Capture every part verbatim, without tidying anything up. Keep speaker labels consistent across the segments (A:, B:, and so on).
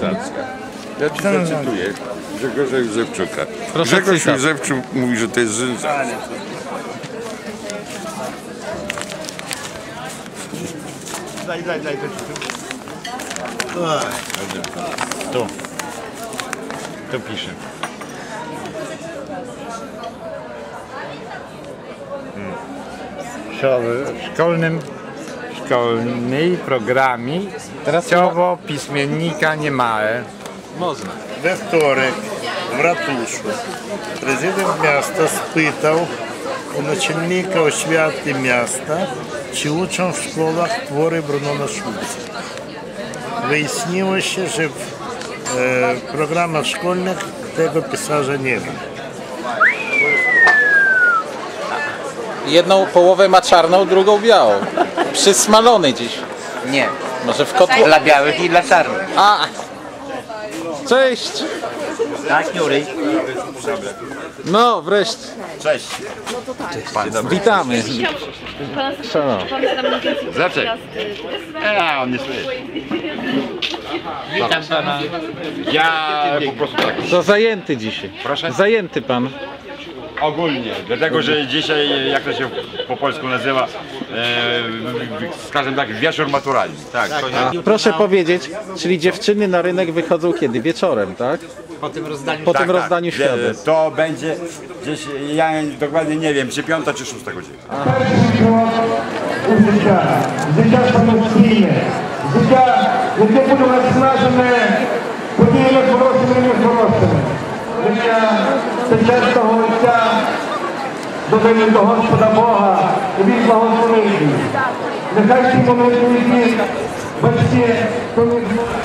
A: sensacja. Ja ci zacytuję Grzegorza Józefczuka.
B: Proszę
A: Grzegorz
B: cytat.
A: Józefczuk mówi, że to jest sensacja.
C: Daj, daj, daj.
B: Tu. Tu piszę. W szkolnym, szkolnej programie treściowo pismiennika nie ma. Można.
C: We wtorek w ratuszu prezydent miasta spytał u naczelnika oświaty miasta, czy uczą w szkołach twory Brunona Szulca. Wyjaśniło się, że w e, programach szkolnych tego pisarza nie ma.
B: Jedną połowę ma czarną, drugą białą. Przysmalony dziś.
D: Nie,
B: Może w kotło.
D: dla białych i dla czarnych.
B: A! Cześć!
D: Tak, Jury?
B: No, wreszcie.
A: Cześć.
B: Witamy. Szanowni.
A: Zaczek. A, on nie słyszy.
D: Witam pana.
A: Ja po prostu tak.
B: To zajęty dzisiaj.
E: Proszę?
B: Zajęty pan.
E: Ogólnie, dlatego że dzisiaj, jak to się po polsku nazywa, e, skażę tak, wieczór maturalny. Tak,
B: A, proszę powiedzieć, czyli dziewczyny na rynek wychodzą kiedy? Wieczorem, tak?
D: Po tym rozdaniu
B: Po
E: tak,
B: tym rozdaniu
E: tak.
B: świadectw.
E: To będzie gdzieś, ja dokładnie nie wiem, czy piąta, czy szósta godzina.
F: Życia, życia samostійне, życia, яке буде наснажене подіями хорошими і нехорошими. Життя це чистого життя, додаю до Господа Бога, і Він благословить їх. Нехай ці молитви їх батьки, коли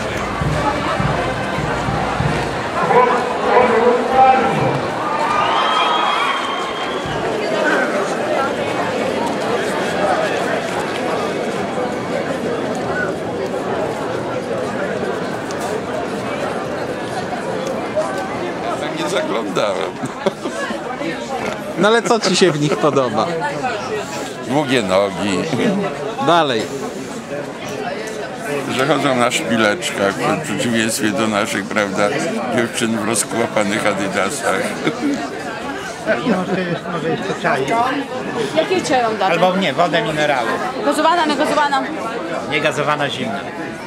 A: Nie zaglądałem.
B: No ale co ci się w nich podoba?
A: Długie nogi,
B: Dalej.
A: że chodzą na szpileczkach, w przeciwieństwie do naszych, prawda, dziewczyn w rozkłapanych adidasach.
C: Może jeszcze czaj.
G: Jakie czaj wam dać?
C: Albo nie, wodę mineralną.
G: Gazowana, niegazowana?
C: Niegazowana zimna.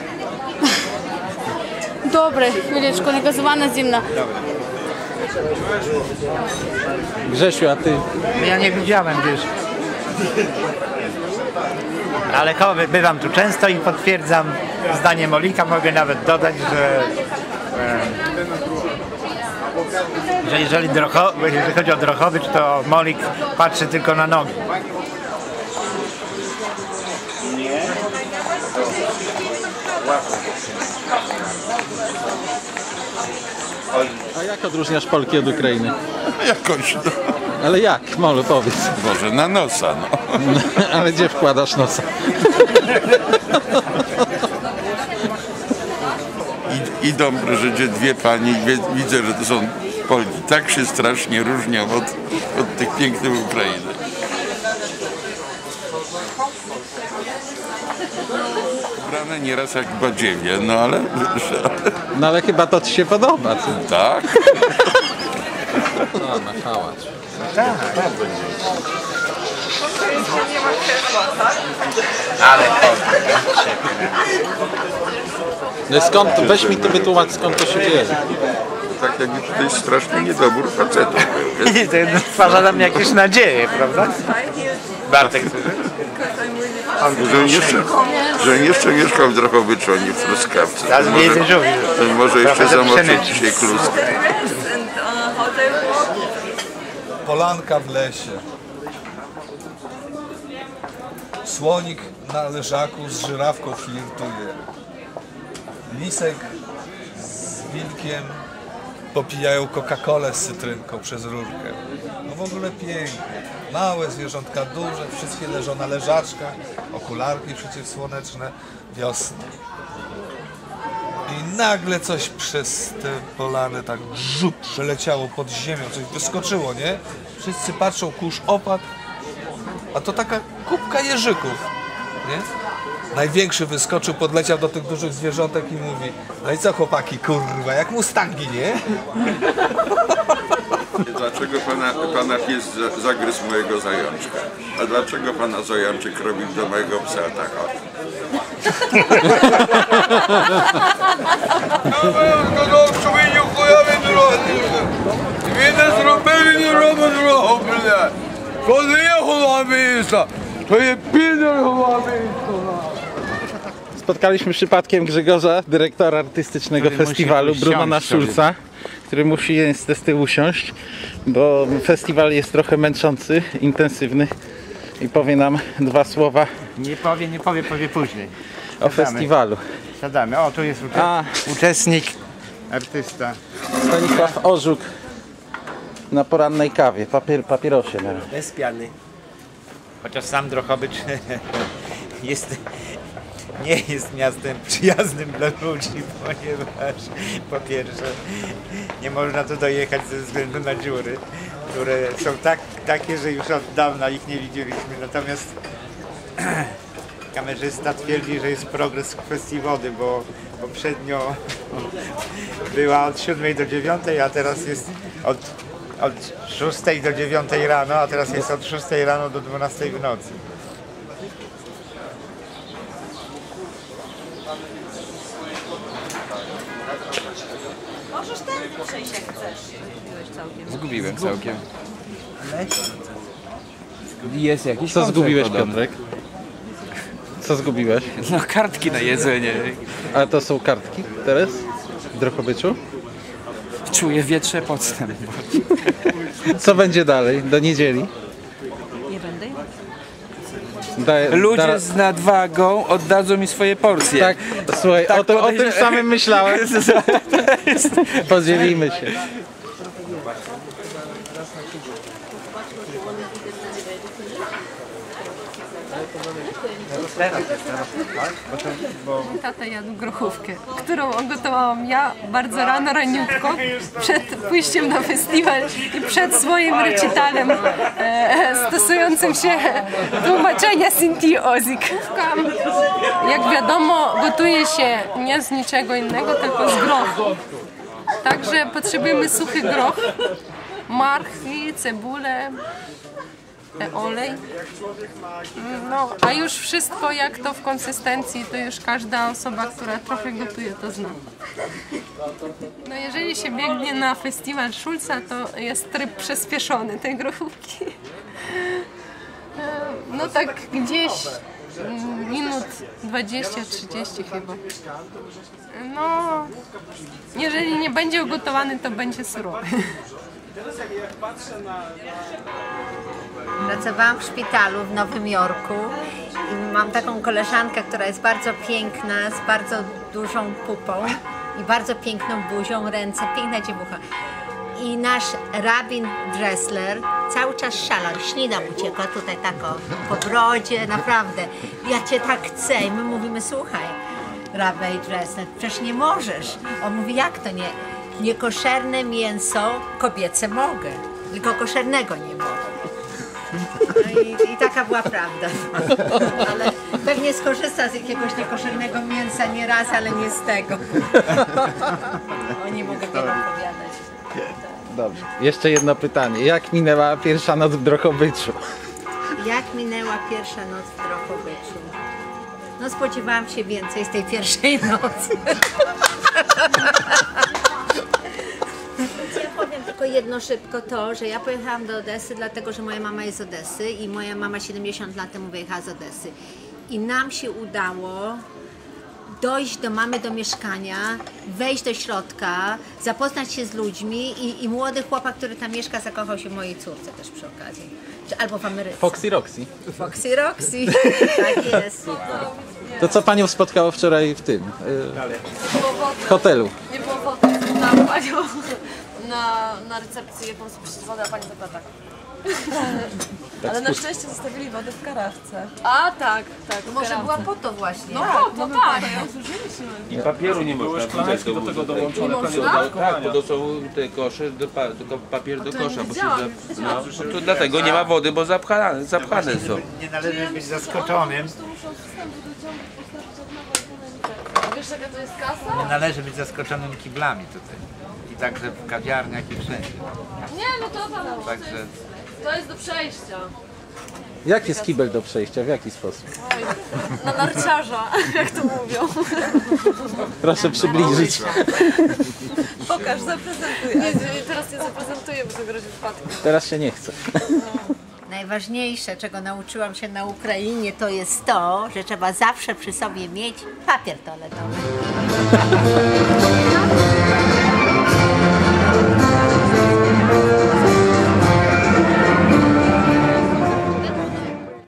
G: Dobre, chwileczku, niegazowana zimna.
B: Grzesiu, a ty?
C: Ja nie widziałem, wiesz. Ale koły, bywam tu często i potwierdzam zdanie Molika. Mogę nawet dodać, że, e, że jeżeli, Drocho, jeżeli chodzi o Drohowicz, to Molik patrzy tylko na nogi.
B: A jak odróżniasz Polki od Ukrainy?
A: Jakoś, no,
B: Ale jak? Molu, powiedz.
A: może na nosa, no.
B: Ale gdzie wkładasz nosa?
A: I, idą, proszę cię, dwie pani, wie, widzę, że to są Polki. Tak się strasznie różnią od, od tych pięknych Ukrainy. Ubrane nieraz jak badziewie, no ale...
B: No ale chyba to ci się podoba, ty.
A: Tak.
B: No, na hałas.
D: Ale
B: No i skąd, weź mi to wytłumacz, skąd to się dzieje.
A: Tak jakby tutaj straszny niedobór facetów był.
C: I to stwarza nam jakieś nadzieje, prawda? Bartek,
A: Że jeszcze, że jeszcze mieszkał w Drohowiczu, a nie w Truskawce.
C: teraz
A: To
C: nie
A: może,
C: żółwi.
A: to może jeszcze
C: Trochę
A: zamoczyć
C: przemycić.
A: dzisiaj kluskę.
H: Polanka w lesie. Słonik na leżaku z żyrawką flirtuje. Lisek z wilkiem popijają Coca-Colę z cytrynką przez rurkę. No w ogóle pięknie. Małe zwierzątka, duże, wszystkie leżą na leżaczkach, okularki przeciwsłoneczne, wiosna. I nagle coś przez te polany tak żup przeleciało pod ziemią, coś wyskoczyło, nie? Wszyscy patrzą, kurz opadł, a to taka kubka jeżyków, nie? Największy wyskoczył, podleciał do tych dużych zwierzątek i mówi: no i co chłopaki, kurwa, jak mustangi, nie?
A: Dlaczego pana, pana pies za- zagryzł mojego zajączka? A dlaczego pana zajączek robił do mojego psa tak?
B: Spotkaliśmy przypadkiem Grzegorza, dyrektora artystycznego
D: Który musi
B: festiwalu,
D: usiąść
B: Brunona
D: sobie.
B: Schulza, który musi niestety usiąść, bo festiwal jest trochę męczący, intensywny i powie nam dwa słowa
D: Nie powie, nie powie, powie później.
B: o festiwalu.
D: Siadamy. O, tu jest ucze-
B: A.
D: uczestnik, artysta.
B: Stanisław Orzuk na porannej kawie, papier, papierosie. No.
D: Bez piany. Chociaż sam Drohobycz jest, nie jest miastem przyjaznym dla ludzi, ponieważ po pierwsze nie można tu dojechać ze względu na dziury, które są tak, takie, że już od dawna ich nie widzieliśmy. Natomiast kamerzysta twierdzi, że jest progres w kwestii wody, bo poprzednio była od siódmej do dziewiątej, a teraz jest od, od szóstej do dziewiątej rano, a teraz jest od szóstej rano do dwunastej w nocy.
I: Możesz ten przejść jak chcesz.
J: Zgubiłem całkiem. Jest jakiś
B: Co
J: koncert
B: zgubiłeś,
J: podobny.
B: Piotrek? Co zgubiłeś?
J: No kartki na jedzenie.
B: A to są kartki teraz w Drohobyczu?
J: Czuję wietrze podstęp.
B: Co będzie dalej? Do niedzieli?
I: Nie będę.
B: Da,
J: Ludzie
B: da-
J: z nadwagą oddadzą mi swoje porcje.
B: Tak, słuchaj,
J: Tak
B: o, to, o
J: podejrze-
B: tym samym myślałem. Podzielimy się.
I: Tata jadł grochówkę, którą ugotowałam ja bardzo rano, raniutko, przed pójściem na festiwal i przed swoim recitalem e, stosującym się tłumaczenia Sinti Ozik. Jak wiadomo, gotuje się nie z niczego innego, tylko z grochu. Także potrzebujemy suchy groch, marchwi, cebulę, e, olej. No, a już wszystko jak to w konsystencji, to już każda osoba, która trochę gotuje, to zna. No jeżeli się biegnie na festiwal Schulza, to jest tryb przyspieszony tej grochówki. E, No tak gdzieś mm, minut dwadzieścia trzydzieści chyba. No, jeżeli nie będzie ugotowany, to będzie surowy.
K: Pracowałam w szpitalu w Nowym Jorku i mam taką koleżankę, która jest bardzo piękna, z bardzo dużą pupą i bardzo piękną buzią, ręce, piękna dziewucha. I nasz rabin Dressler cały czas szalał, ślina uciekła tutaj tako po brodzie, naprawdę. Ja cię tak chcę i my mówimy, słuchaj, rabbi Dressler, przecież nie możesz. On mówi, jak to nie? Niekoszerne mięso kobiece mogę, tylko koszernego nie mogę. No i, i taka była prawda. Ale pewnie skorzysta z jakiegoś niekoszernego mięsa nie raz, ale nie z tego. O, nie mogę tego opowiadać.
B: Dobrze. Jeszcze jedno pytanie. Jak minęła pierwsza noc w Drohobyczu?
K: Jak minęła pierwsza noc w Drohobyczu? No spodziewałam się więcej z tej pierwszej nocy. Ja powiem tylko jedno szybko to, że ja pojechałam do Odessy, dlatego że moja mama jest z Odessy i moja mama siedemdziesiąt lat temu wyjechała z Odessy. I nam się udało dojść do mamy do mieszkania, wejść do środka, zapoznać się z ludźmi i, i młody chłopak, który tam mieszka, zakochał się w mojej córce też przy okazji. Czy, albo w Ameryce.
B: Foxy Roxy.
K: Foxy Roxy. Tak jest.
B: To co panią spotkało wczoraj w tym, y, w hotelu?
G: Nie było foty na panią na, na recepcji, jaką sobie wodę, a pani zapyta tak.
I: Ale na szczęście zostawili wodę w karafce.
G: A tak, tak.
K: Może była po to właśnie.
G: No po to, tak.
J: I papieru nie można wrzucać do, do tego dołączone. Tak, bo to są te kosze, do, pa- tylko papier do kosza. Bo się za, no, to dlatego nie ma wody, bo zapchane, zapchane są.
D: Nie należy być zaskoczonym,
G: Wiesz jaka to jest kasa?
D: Nie należy być zaskoczonym kiblami tutaj. I także w kawiarniach i wszędzie.
G: Nie, no to tam to
D: Także
G: jest, to jest do przejścia.
B: Jak jest kibel do przejścia? W jaki sposób?
G: Oj, na narciarza, jak to mówią.
B: Proszę przybliżyć.
G: Pokaż, zaprezentuj. Nie, teraz nie zaprezentuję, bo to grozi wypadkiem.
B: Teraz się nie chce.
K: Najważniejsze, czego nauczyłam się na Ukrainie, to jest to, że trzeba zawsze przy sobie mieć papier toaletowy.